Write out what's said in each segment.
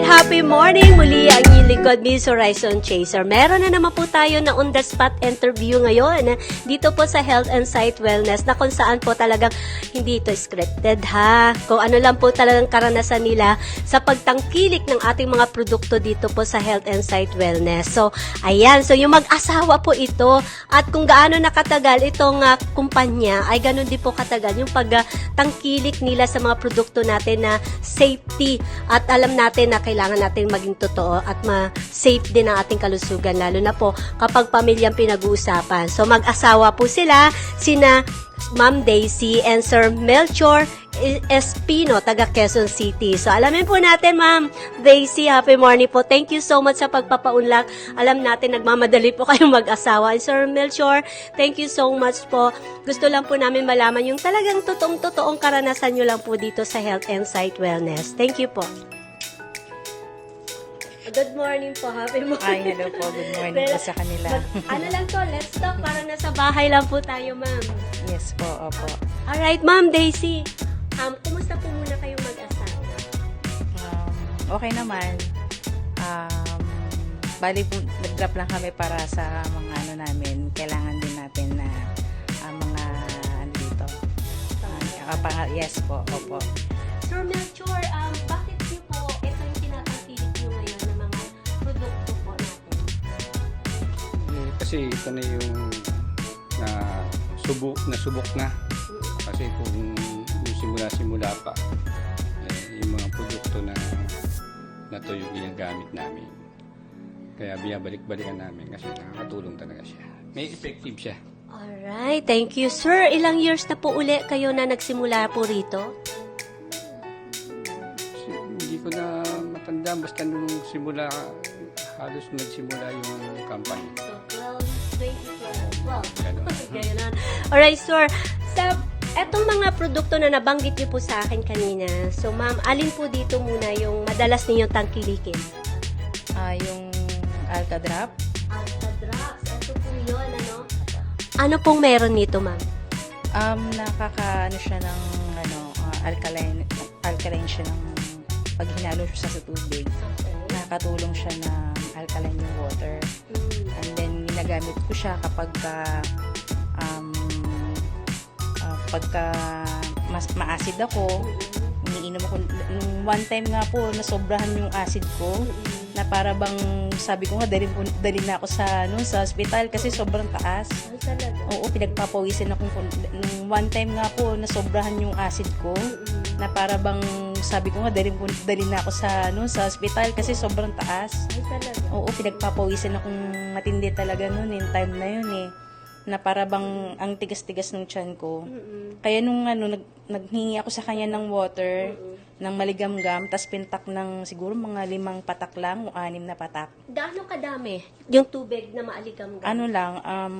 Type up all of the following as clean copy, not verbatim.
happy morning! Muli ang inyong lingkod, Miss Horizon Chaser. Meron na naman po tayo na on-the-spot interview ngayon dito po sa Health and Sight Wellness na kung saan po talagang hindi ito scripted ha. Kung ano lang po talagang karanasan nila sa pagtangkilik ng ating mga produkto dito po sa Health and Sight Wellness. So, ayan. So, yung mag-asawa po ito at kung gaano nakatagal itong kumpanya ay ganun din po katagal yung pagtangkilik nila sa mga produkto natin na safety at alam natin na kailangan natin maging totoo at ma-safe din ang ating kalusugan, lalo na po kapag pamilyang pinag-uusapan. So, mag-asawa po sila, sina Ma'am Daisy and Sir Melchor Espino, taga Quezon City. So, alamin po natin, Ma'am Daisy, happy morning po. Thank you so much sa pagpapaunlak. Alam natin, nagmamadali po kayong mag-asawa. And Sir Melchor, thank you so much po. Gusto lang po namin malaman yung talagang totoong karanasan nyo lang po dito sa Health and Sight Wellness. Thank you po. Good morning po. Happy morning. Ay, hello po. Good morning po sa kanila. Ano lang to, let's talk. Parang nasa bahay lang po tayo, ma'am. Yes po, opo. Alright, Ma'am Daisy. Kumusta po muna kayong mag-asawa? Okay naman. Bali po, nag-drop lang kami para sa mga ano namin. Kailangan din natin na mga ano dito. Yes po, opo. Sir Melchor, bakit niyo po ito yung tinatangkilik niyo ngayon ng mga produkto po natin? Kasi ito na yung nasubok na. Kasi kung simula pa, yung mga produkto na to yung ginagamit namin. Kaya binabalik-balikan namin kasi nakakatulong talaga siya. May effective siya. Alright, thank you. Sir, ilang years na po uli kayo na nagsimula po rito? Hindi ko na matanda, basta nung halos nagsimula yung company. So, 2012. Ganun. Alright, sir. Sa etong mga produkto na nabanggit niyo po sa akin kanina, so ma'am, alin po dito muna yung madalas ninyong tangkilikin? Yung Alka Drop. Alka Drops. Ito po yun, ano? Ano pong meron nito, ma'am? Nakakaano siya ng alkaline siya ng pag hinalo siya sa tubig. Okay. Nakakatulong siya na alkaline yung water. And then, ginagamit ko siya kapag pagka mas ma-acid ako, iniinom ako. Nung one time nga po, nasobrahan yung acid ko, na para bang, sabi ko nga, dali na ako sa hospital kasi sobrang taas. Ay, talaga? Oo, pinagpapawisin ako. Nung one time nga po, nasobrahan yung acid ko, na para bang, sabi ko nga, dali na ako sa hospital kasi sobrang taas. Ay, talaga? Oo, pinagpapawisin akong matindi talaga noon, yung time na yun na para bang ang tigas-tigas ng tiyan ko. Kaya nung naghingi ako sa kanya ng water, ng maligamgam, tas pintak ng siguro mga 5 patak lang o 6 na patak. Gaano kadami yung tubig na maaligam-gam? Ano lang,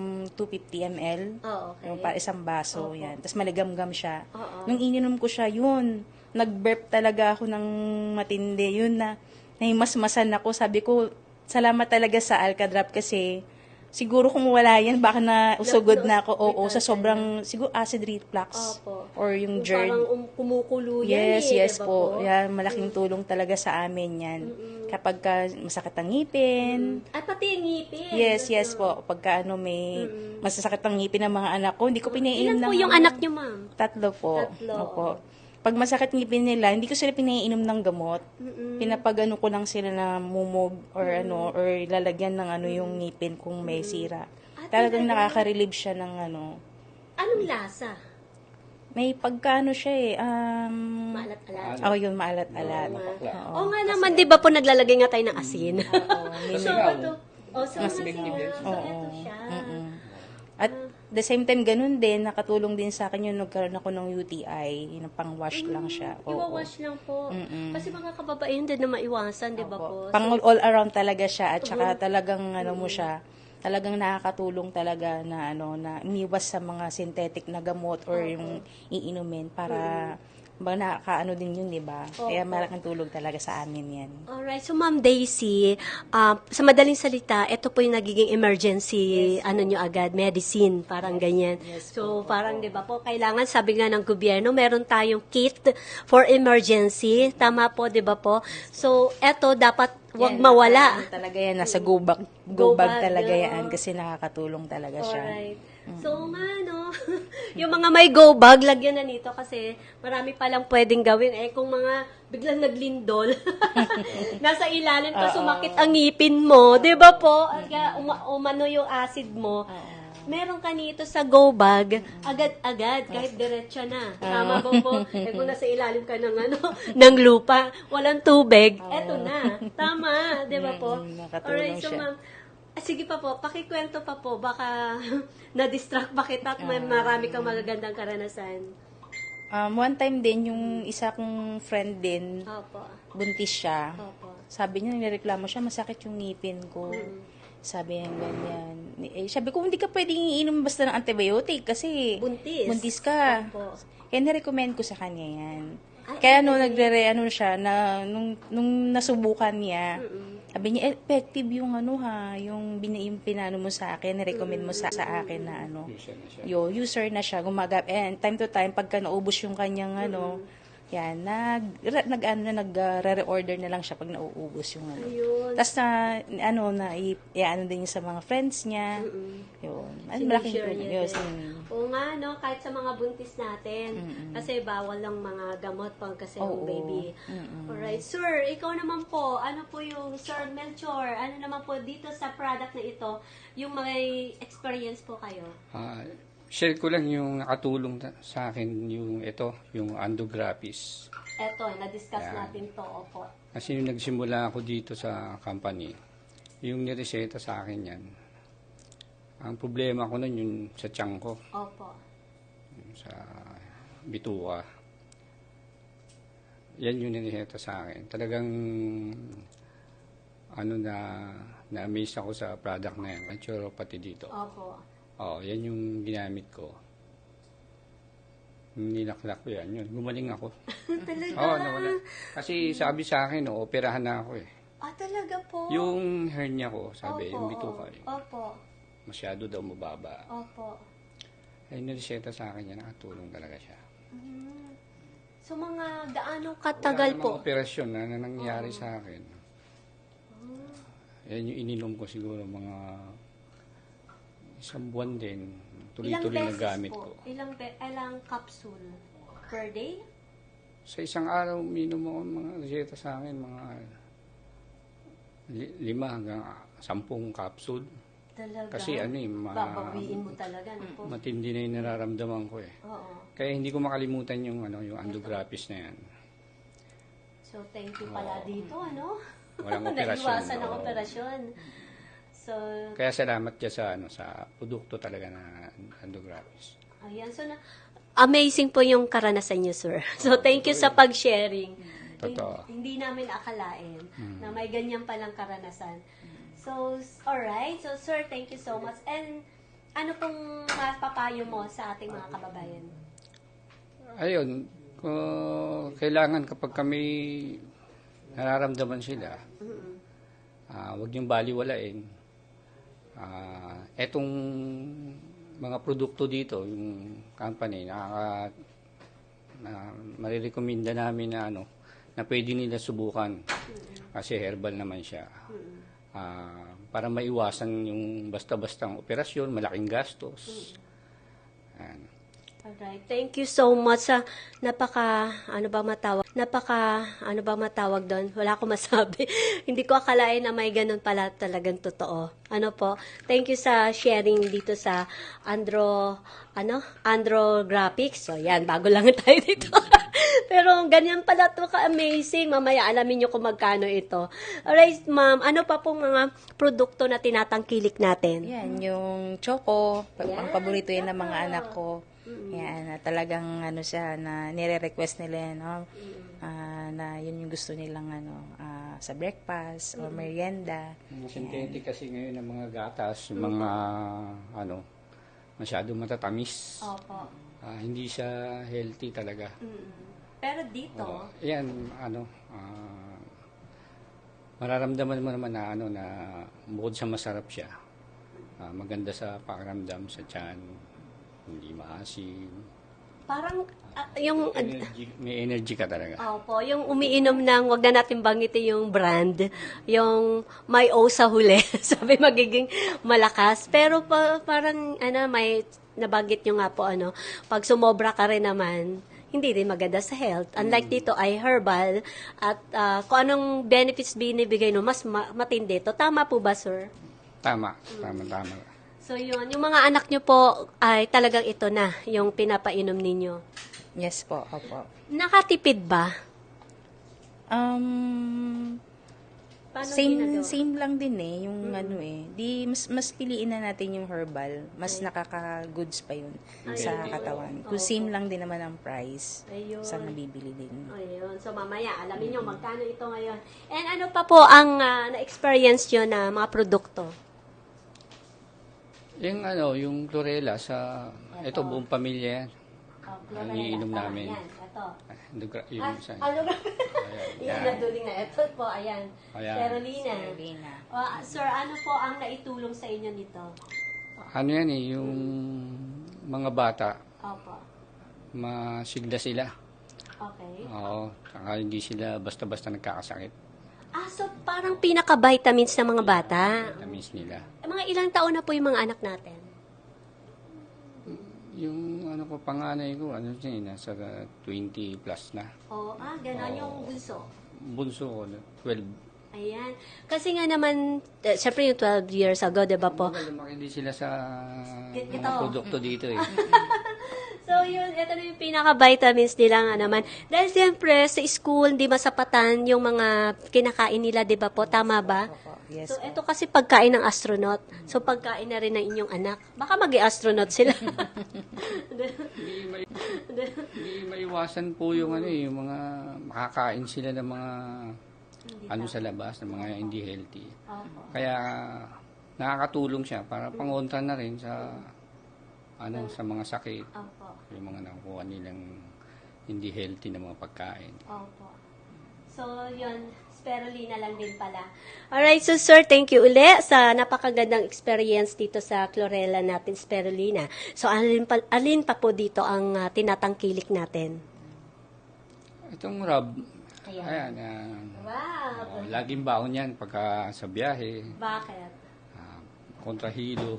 250 ml. Oh, okay. Yung para isang baso, yan. Tas maligamgam siya. Oo. Nung ininom ko siya, yun, nag-burp talaga ako ng matindi. Yun na, nahimasmasan ako. Sabi ko, salamat talaga sa Alka Drop kasi siguro kung wala yan, baka na usugod na ako. Oo, sa sobrang, siguro acid reflux. Opo. Or yung Yung GERD. parang kumukulo yan Yes diba po. Yan, malaking tulong talaga sa amin yan. Kapag masakit ang ngipin. At pati yung ngipin. Yes po. Pagka may masasakit ang ngipin ng mga anak ko, hindi ko pinaiinom Ilan ng... po yung anak niyo, ma'am? 3 po. Tatlo. Opo. Pag masakit ngipin nila, hindi ko sila pinaiinom ng gamot. Pinapagano ko lang sila na mumog or or lalagyan ng yung ngipin kung may sira. Talagang nakaka-relieve siya ng Anong lasa? May pagkano siya Maalat-alat. yun, maalat-alat. Oo nga naman, di ba po naglalagay nga tayo ng asin? Oo, So, ito, so effective yan. so ito siya. At the same time, ganun din, nakatulong din sa akin yung nagkaroon ako ng UTI, yung pang-wash lang siya. Oo. Iwawash lang po. Kasi mga kababaihan din na maiwasan, di ba po? Pang all around talaga siya at saka talagang mo siya, talagang nakakatulong talaga na na umiwas sa mga synthetic na gamot or yung iinumin para nakakaano din yun, di ba? Kaya malaking tulong talaga sa amin yan. Alright, so Ma'am Daisy, sa madaling salita, ito po yung nagiging emergency, nyo agad, medicine, parang ganyan. So, parang, di ba po, kailangan, sabi nga ng gobyerno, meron tayong kit for emergency. Tama po, di ba po? So, eto, dapat wag Yan, mawala. ano talaga yan, nasa go bag talaga oo. yan kasi nakakatulong talaga siya. Alright. So nga, no? Yung mga may go bag, lagyan na nito kasi marami palang pwedeng gawin. Eh, kung mga biglang naglindol, nasa ilalim ka, sumakit ang ngipin mo, di ba po? At kaya umano yung acid mo. Meron ka nito sa go bag, agad-agad, kahit diretso na. Tama ba po? Eh, kung nasa ilalim ka ng, ng lupa, walang tubig, eto na. Tama, di ba po? Nakatulong Alright, so siya. ma'am, sige pa po, pakikwento pa po, baka na-distract pa kita at may marami kang magagandang karanasan. One time din, yung isa kong friend din, Opo. buntis siya. Opo. Sabi niya, nireklamo siya, masakit yung ngipin ko. Sabi niya ganyan. Sabi ko, hindi ka pwedeng iinom basta ng antibiotic kasi Buntis. ka. Opo. Kaya nirecommend ko sa kanya yan. Kaya siya, nung nasubukan niya, sabi niya, effective yung yung pinano mo sa akin, nirecommend mo sa akin na User na siya. user na siya, and time to time, pagka naubos yung kanyang yan, nagre-reorder na lang siya pag nauubos yung Ayun. Tapos i-ano din sa mga friends niya. Yun. Malaking Sinishare tulong. niya Yun. din. Oo nga, no? Kahit sa mga buntis natin. Kasi bawal lang mga gamot pag kasi yung Oo. baby. Alright. Sir, ikaw naman po, ano po yung, Sir Melchor, ano naman po dito sa product na ito, yung may experience po kayo? Share ko lang yung nakatulong sa akin yung Andograpis. Eto, na-discuss Yan. natin to, opo. Kasi yung nagsimula ako dito sa company, yung nireseta sa akin yan, ang problema ko nun yung sa tiyan ko, Opo. yung sa bituka. Yan yung nireseta sa akin. Talagang na-amaze ako sa product na yan, naturopathy dito. Opo. Yan yung ginamit ko. Nilaklak ko yan. Yun, gumaling ako. Talaga? Nawala. Kasi sabi sa akin, operahan na ako eh. Talaga po? Yung hernia ko, sabi, yung bituka, Opo. masyado daw mababa. Opo. Ay, nireseta sa akin yan, nakatulong talaga siya. So, mga gaano katagal Wala po? namang operasyon na nangyari sa akin. Yan yung ininom ko siguro mga isang buwan din. Tuloy-tuloy na gamit ko. Ilang capsule per day? Sa isang araw, minom ako mga reseta sa akin, mga 5 hanggang 10 capsule. Talaga? Kasi babawiin mo talaga. No po? matindi na yung nararamdaman ko eh. Oo. Kaya hindi ko makalimutan yung Andograpis na yan. So, thank you pala dito, ano? Walang operasyon. Naiwasan ang Oo. operasyon. So, Kaya salamat ka sa produkto talaga na Andograpis. ayan. So, amazing po yung karanasan niyo, sir. So, thank you sa pag-sharing. Totoo. Hindi namin akalain na may ganyan palang karanasan. So, alright. So, sir, thank you so much. And, ano pong mapapayo mo sa ating mga kababayan? Ayun, kailangan kapag kami nararamdaman sila, huwag niyong baliwalain. Etong mga produkto dito, yung company, marirekomenda namin na pwede nila subukan. Kasi herbal naman siya. Para maiwasan yung basta-bastang operasyon, malaking gastos. Yan. Alright. Thank you so much sa ano ba matawag doon? Wala akong masabi. Hindi ko akalain na may ganun pala talagang totoo. Ano po? Thank you sa sharing dito sa Andrographics. So, yan. Bago lang tayo dito. Pero ganyan pala to ka-amazing. Mamaya alamin nyo kung magkano ito. Alright, ma'am. Ano pa pong mga produkto na tinatangkilik natin? Yan, yung choco, Yan, ang paborito yan ng mga choco. anak ko. Yan, na talagang siya, na nire-request nila yan, na yun yung gusto nilang sa breakfast or merienda. Mga synthetic kasi ngayon ng mga gatas, yung mga masyado matatamis. Opo. Hindi siya healthy talaga. Pero dito, Yan, mararamdaman mo naman na bukod sa masarap siya, maganda sa pakiramdam, sa tiyan, hindi maasim. parang yung May energy ka talaga. Opo, yung umiinom ng, wag na natin banggitin yung brand, yung may O sa huli, sabi magiging malakas. Pero parang, may nabanggit nyo nga po, pag sumobra ka rin naman, hindi rin maganda sa health. Unlike dito ay herbal at kung anong benefits binibigay mas matindi to. Tama po ba, sir? Tama. So yun, yung mga anak nyo po ay talagang ito na, yung pinapainom ninyo. Yes po, opo. Nakatipid ba? Paano ginagawa? Same lang din yung di mas piliin na natin yung herbal, mas nakaka-goods pa yun sa katawan. Kung same lang din naman ang price, Ayun. sa nabibili din. Ayun. So, mamaya, alamin nyo magkano ito ngayon. And ano pa po ang na-experience nyo na mga produkto? Yung chlorella ito buong pamilya yan. Ang iinom namin. Ayan, ito. Yung isa. Yan, naduling na. Ito po, ayan. Ayan. Spirulina. Spirulina. Sir, ano po ang naitulong sa inyo nito? Yung mga bata, Opo. masigla sila. Okay. Oo, saka hindi sila basta-basta nagkakasakit. So parang pinaka-vitamins ng mga bata. Vitamins nila. Mga ilang taon na po yung mga anak natin? Yung panganay ko, nasa 20 plus na. Gano'n yung bunso. Bunso ko, 12. Ayan. Kasi nga naman, syempre yung 12 years ago, di ba po? Lumaki din sila sa Ito. mga produkto dito eh. So, yun, ito na yung pinaka-vitamins nila nga naman. Dahil siyempre, sa school, di masapatan yung mga kinakain nila, di ba po? Tama ba? Opo, yes. So, ito kasi pagkain ng astronaut. So, pagkain na rin ng inyong anak. Baka mag-astronaut sila. Hindi maiwasan po yung yung mga makakain sila ng mga sa labas, ng mga hindi healthy. Opo. Kaya nakakatulong siya para pangontra na rin sa sa mga sakit, Opo. yung mga nakukuha nilang hindi healthy na mga pagkain. Opo. So, yun, spirulina lang din pala. Alright, so sir, thank you uli sa napakagandang experience dito sa chlorella natin, spirulina. So, alin pa po dito ang tinatangkilik natin? Itong rub, Ayan. Wow! laging baon yan pagka sa biyahe, Bakit? kontrahilo.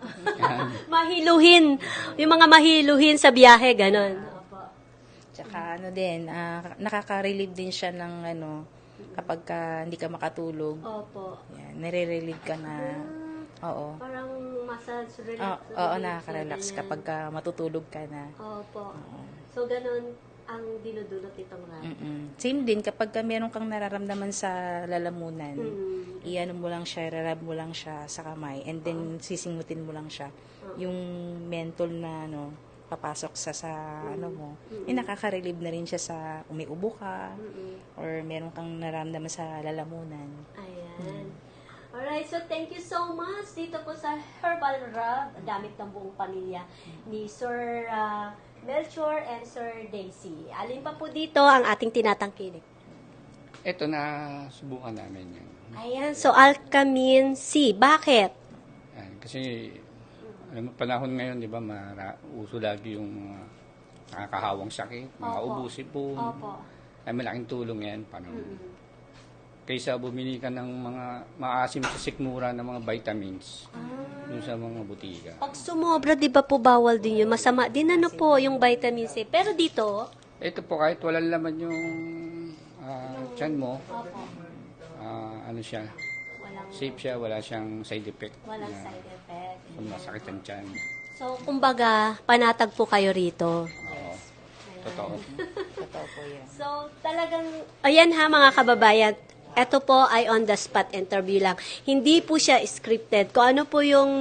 Mahiluhin. Yung mga mahiluhin sa biyahe, ganon. Opo. Tsaka nakaka-relieve din siya ng kapag hindi ka makatulog. Opo. Yan, nare-relieve ka na. Oo. Parang massage, relax. Oo, nakaka-relax kapag matutulog ka na. Opo. So, ganon ang dinudulot itong rub. Same din kapag meron kang nararamdaman sa lalamunan, iano mo lang siya, rarab mo lang siya sa kamay, and then sisingutin mo lang siya. Yung mentol na papasok sa mo, nakaka-relieve na rin siya sa kung may ubo ka, or meron kang nararamdaman sa lalamunan. Ayan. Alright, so thank you so much dito po sa Herbal Rub, gamit ng buong pamilya ni Sir Melchor and Sir Daisy. Alin pa po dito ang ating tinatangkilik? Ito na subukan namin yan. Ayan, so Alkamin C. Bakit? Yan, kasi panahon ngayon, di ba, uso lagi yung nakakahawang sakit, mga Opo. ubo, sipon. Opo. Ay malaking tulong yan. Kaysa bumili ka ng mga maasim sa sikmura ng mga vitamins dun sa mga butika. Pag sumobra, di ba po bawal din yun? Masama din po yung vitamin C. Pero dito, Ito po, kahit walang laman yung tiyan mo, opo, siya, walang, safe siya, wala siyang side effect. walang na side effect. Kung masakit ang tiyan. So, kumbaga, panatag po kayo rito. Oo, totoo. Totoo po yan. So, talagang, ayan ha mga kababayan, ito po ay on the spot interview lang. Hindi po siya scripted. Kung ano po yung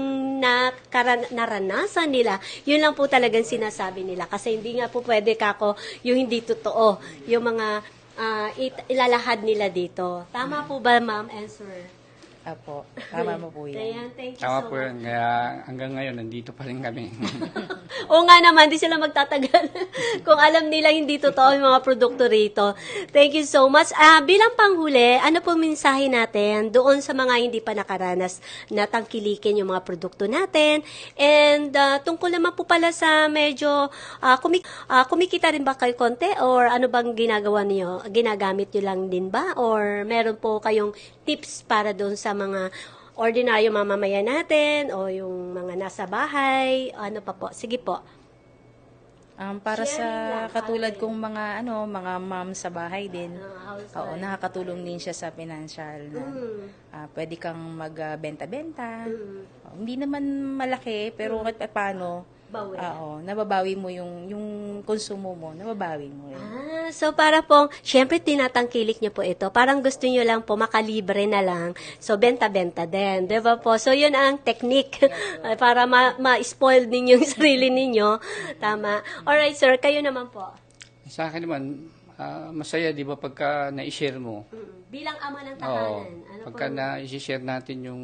naranasan nila, yun lang po talagang sinasabi nila. Kasi hindi nga po pwede yung hindi totoo, yung mga ilalahad nila dito. Tama po ba, ma'am and sir? Apo, tama mo po yan. Ayan, thank you Tama so po much. yun. Kaya hanggang ngayon, nandito pa rin kami. Oo nga naman, di sila magtatagal kung alam nila hindi totoo yung mga produkto rito. Thank you so much. Bilang panghuli, ano po mensahe natin doon sa mga hindi pa nakaranas na tangkilikin yung mga produkto natin? And tungkol naman po pala sa medyo kumikita rin ba kayo konti or ano bang ginagawa niyo? Ginagamit niyo lang din ba? Or meron po kayong tips para doon sa mga ordinaryo mamamayan natin o yung mga nasa bahay, ano pa po? Sige po. Para sa Sharing lang, katulad ate. kong mga mom sa bahay din, Housewife. oo, nakakatulong din siya sa financial na pwede kang magbenta-benta. Hindi naman malaki, pero kahit paano, Bawi. oo, nababawi mo yung konsumo mo, nababawi mo yun. So para pong, syempre tinatangkilik niyo po ito. Parang gusto niyo lang po makalibre na lang. So benta-benta din, 'di ba po? So yun ang technique para ma-spoil ninyo yung sarili ninyo. Tama. Alright, sir, kayo naman po. Sa akin naman, masaya, di ba, pagka na-share mo. Bilang ama ng Oo. tahanan, ano Pagka po? na-share natin yung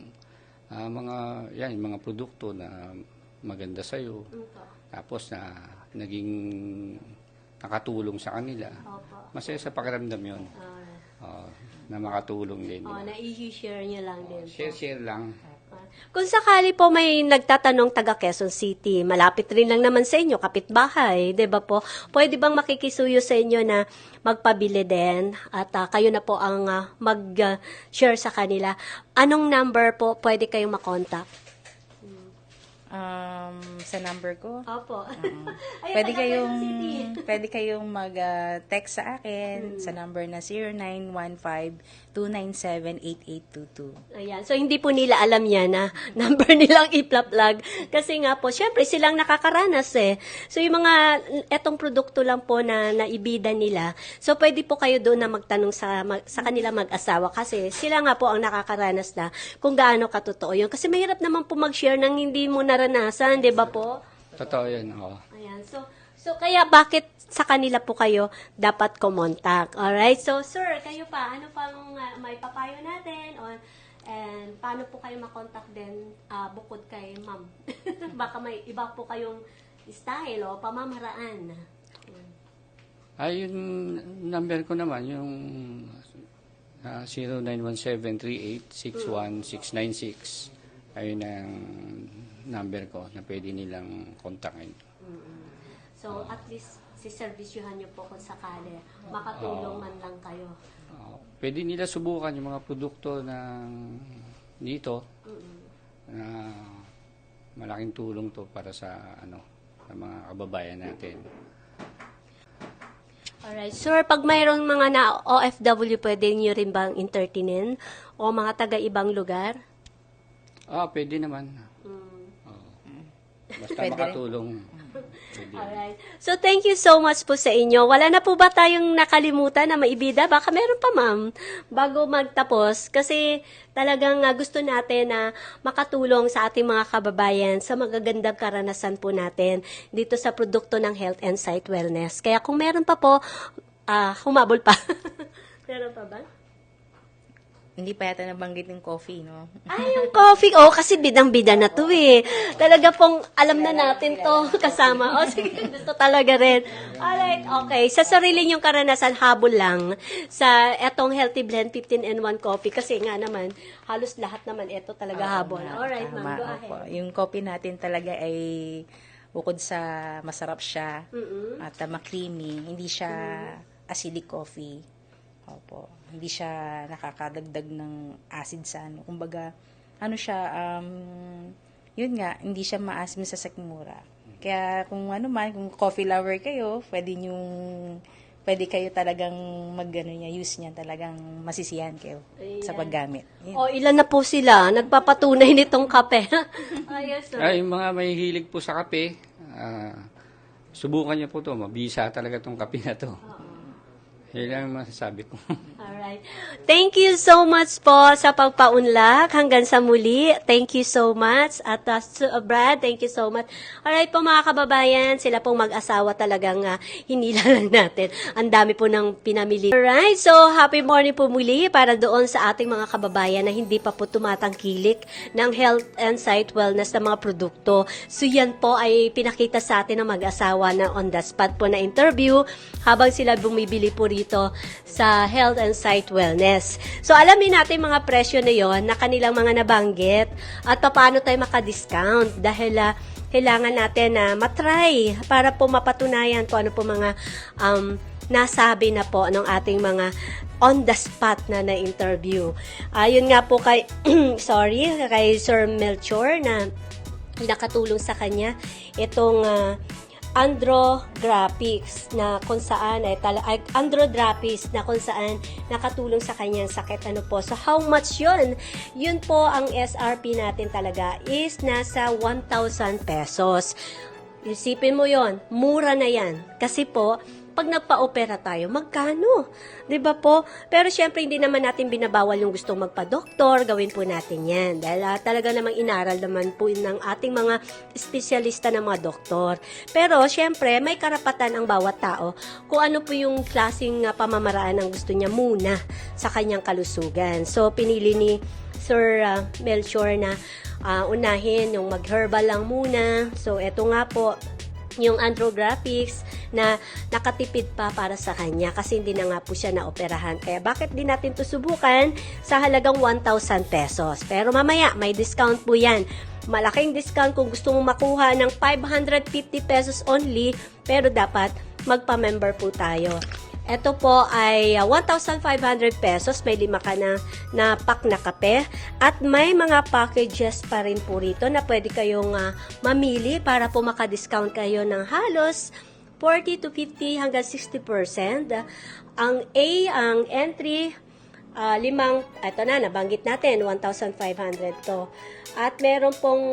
yung mga produkto na maganda sa'yo. Tapos na naging nakatulong sa kanila. Opo. Masaya sa pakiramdam yun. Na makatulong din. Oh, na-i-share niyo lang din. po. Share lang. Kung sakali po may nagtatanong taga Quezon City, malapit rin lang naman sa inyo, kapitbahay, 'di ba po? Pwede bang makikisuyo sa inyo na magpabili din at kayo na po ang mag-share sa kanila? Anong number po pwede kayong makontak? Sa number ko, Opo. Ayun, pwede taga kayong Quezon City. pwede kayong mag-text sa akin sa number na 0915-297-8822. Ayan. So, hindi po nila alam yan na number nilang iplaplag. Kasi nga po, syempre, silang nakakaranas eh. So, yung mga, etong produkto lang po na naibida nila. So, pwede po kayo doon na magtanong sa kanila mag-asawa. Kasi sila nga po ang nakakaranas na kung gaano katotoo yun. Kasi mahirap naman po mag-share ng hindi mo naranasan, di ba po? Totoo yun. Oo. Ayan. So kaya bakit sa kanila po kayo dapat kumontak? Alright? So, sir, kayo pa, ano pang may papayo natin? And paano po kayo makontak din bukod kay ma'am? Baka may iba po kayong style o pamamaraan. Yung number ko naman, yung 0917-3861-696. Ayun ang number ko na pwede nilang kontakin. So, at least siservisyuhan niyo po kung sakali. Makatulong man lang kayo. Pwede nila subukan yung mga produkto ng dito na malaking tulong to para sa sa mga kababayan natin. Alright. Sir, pag mayroong mga na OFW, pwede niyo rin bang entertainin? O mga taga-ibang lugar? Pwede naman. Basta Pwede rin. makatulong. Pwede. Alright. So, thank you so much po sa inyo. Wala na po ba tayong nakalimutan na maibida? Baka meron pa, ma'am, bago magtapos. Kasi talagang gusto natin na makatulong sa ating mga kababayan sa magagandang karanasan po natin dito sa produkto ng Health and Sight Wellness. Kaya kung meron pa po, humabol pa. Meron pa ba? Hindi pa yata nabanggit yung coffee, no? Ay, yung coffee. Oh, kasi bidang-bida na to eh. Talaga pong alam na natin to kasama. Oh, sige, gusto talaga rin. Alright, okay. Sa sarili niyong karanasan, habol lang sa etong Healthy Blend 15-in-1 coffee. Kasi nga naman, halos lahat naman ito talaga habol. Alright, ma'am, go ahead. Opo. Yung coffee natin talaga ay bukod sa masarap siya at ma-creamy, hindi siya acidic coffee. Opo. Hindi siya nakakadagdag ng acid sa ano. Kumbaga, yun nga, hindi siya maasim sa sikmura. Kaya kung kung coffee lover kayo, pwede kayo talagang use niya, talagang masisiyahan kayo sa paggamit. Yun. Oh, ilan na po sila nagpapatunay nitong kape. Ayos, Yung mga may hilig po sa kape, subukan niyo po to. Mabisa talaga tong kape na to. Yan lang ang masasabi ko. Alright. Thank you so much po sa pagpaunlak. Hanggang sa muli. Thank you so much. At Brad, thank you so much. Alright po mga kababayan, sila pong mag-asawa talagang hinila lang natin. Ang dami po ng pinamili. Alright, so happy morning po muli para doon sa ating mga kababayan na hindi pa po tumatangkilik ng health and sight wellness na mga produkto. So yan po ay pinakita sa atin ng mag-asawa na on the spot po na interview habang sila bumibili po rito sa health and sight wellness. So, alamin natin mga presyo na yon na kanilang mga nabanggit at paano tayo makadiscount dahil kailangan natin na matry para po mapatunayan kung ano po mga nasabi na po ng ating mga on the spot na na-interview. Yun nga po kay, kay Sir Melchor na nakatulong sa kanya itong Andrographis na kung saan Andrographis na kung saan nakatulong sa kanyang sakit. Ano po? So how much yun? Yun po ang SRP natin talaga is nasa 1,000 pesos. Isipin mo yon, mura na yan. Kasi po, pag nagpa-opera tayo, magkano? 'Di ba po? Pero syempre hindi naman natin binabawal yung gustong magpa-doktor, gawin po natin 'yan. Dahil talaga namang inaral naman po ng ating mga espesyalista ng mga doktor. Pero syempre may karapatan ang bawat tao kung ano po yung klaseng pamamaraan ang gusto niya muna sa kanyang kalusugan. So pinili ni Sir Melchor na unahin yung mag-herbal lang muna. So eto nga po yung Andrographis na nakatipid pa para sa kanya kasi hindi na nga po siya naoperahan. Kaya bakit di natin to subukan sa halagang 1,000 pesos. Pero mamaya, may discount po yan. Malaking discount kung gusto mo makuha ng 550 pesos only, pero dapat magpa-member po tayo. Ito po ay 1,500 pesos. May 5 ka na pack na kape. At may mga packages pa rin po rito na pwede kayong mamili para po makadiscount kayo ng halos 40 to 50 hanggang 60%. Ang A, ang entry, ito na, nabanggit natin, 1,500 to. At meron pong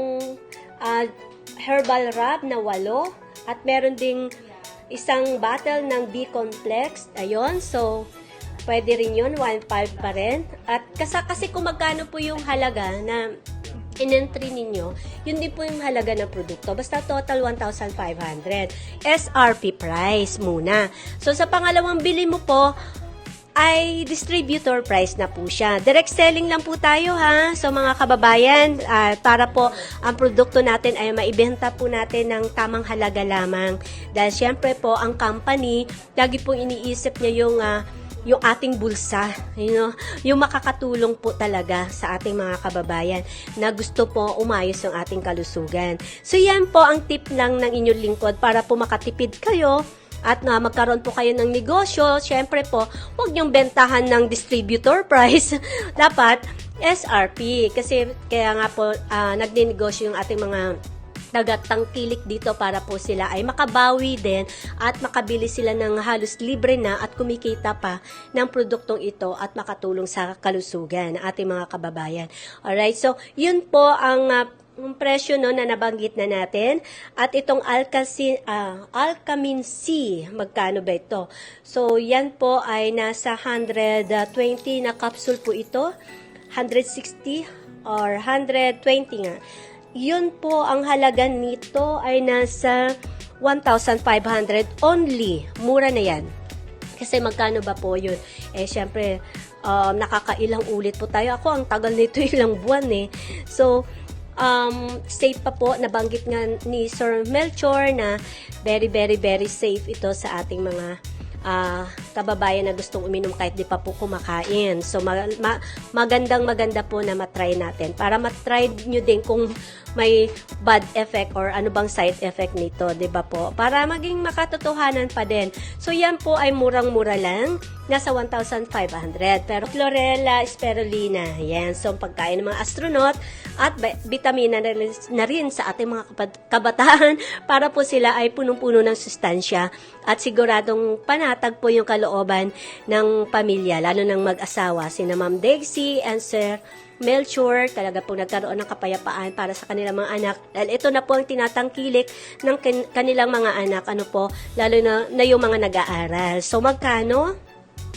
herbal wrap na 8. At meron ding isang bottle ng B-complex. Ayun, so pwede rin yun, 1,500 pa rin. At kasi kung magkano po yung halaga na in-entry ninyo, yun din po yung halaga ng produkto. Basta total 1,500. SRP price muna. So sa pangalawang bili mo po, ay distributor price na po siya. Direct selling lang po tayo ha. So mga kababayan, para po ang produkto natin ay maibenta po natin ng tamang halaga lamang. Dahil syempre po ang company, lagi pong iniisip niya yung ating bulsa, yung makakatulong po talaga sa ating mga kababayan na gusto po umayos yung ating kalusugan. So yan po ang tip lang ng inyong lingkod para po makatipid kayo at magkaroon po kayo ng negosyo. Syempre po, huwag niyong bentahan ng distributor price. Dapat SRP. Kasi kaya nga po, nagninegosyo yung ating mga tagatangkilik dito para po sila ay makabawi din at makabili sila ng halos libre na at kumikita pa ng produktong ito at makatulong sa kalusugan ng ating mga kababayan. Alright, so yun po ang presyo na nabanggit na natin. At itong Alkamin C, magkano ba ito? So, yan po ay nasa 120 na capsule po ito. 160 or 120 nga. Yun po, ang halaga nito ay nasa 1,500 only. Mura na yan. Kasi magkano ba po yun? Syempre, nakakailang ulit po tayo. Ako, ang tagal nito ilang buwan So, safe pa po, nabanggit nga ni Sir Melchor na very, very, very safe ito sa ating mga kababayan na gustong uminom kahit di pa po kumakain. So, maganda po na matry natin. Para matry nyo din kung may bad effect or ano bang side effect nito, di ba po? Para maging makatotohanan pa din. So, yan po ay murang-mura lang. Nasa 1,500. Pero chlorella spirulina, yan. So, pagkain ng mga astronaut at vitamina na rin sa ating mga kabataan para po sila ay punong-puno ng sustansya at siguradong panatag po yung kalooban ng pamilya, lalo ng mag-asawa, sina Ma'am Dexy and Sir Melchor, talaga po nagkaroon ng kapayapaan para sa kanilang mga anak. Dahil ito na po ang tinatangkilik ng kanilang mga anak, lalo na yung mga nag-aaral. So, magkano?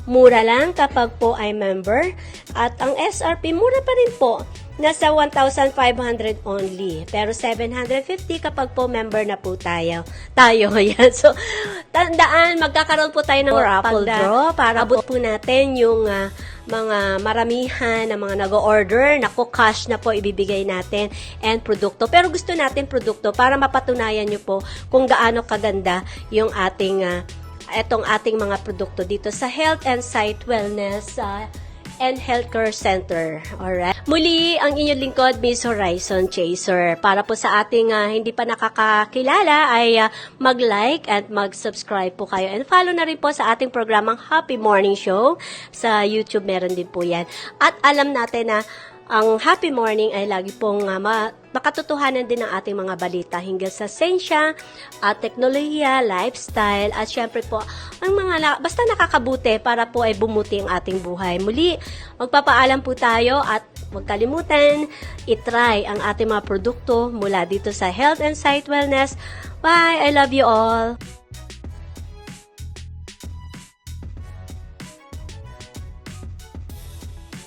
Mura lang kapag po ay member. At ang SRP, mura pa rin po. Nasa 1,500 only. Pero 750 kapag po member na po tayo. Yan. So, tandaan, magkakaroon po tayo ng raffle draw para abot po natin yung mga maramihan na mga nag-order. Naku, cash na po ibibigay natin and produkto. Pero gusto natin produkto para mapatunayan nyo po kung gaano kaganda yung ating etong ating mga produkto dito sa Health and Sight Wellness and Healthcare Center. Alright? Muli, ang inyong lingkod, Miss Horizon Chaser. Para po sa ating hindi pa nakakakilala ay mag-like at mag-subscribe po kayo. And follow na rin po sa ating programang Happy Morning Show. Sa YouTube meron din po yan. At alam natin na ang Happy Morning ay lagi pong makatotohanan din ng ating mga balita hinggil sa siyensya, teknolohiya, lifestyle, at syempre po, ang mga basta nakakabuti para po ay bumuti ang ating buhay. Muli, magpapaalam po tayo at huwag kalimutan, itry ang ating mga produkto mula dito sa Health and Sight Wellness. Bye! I love you all!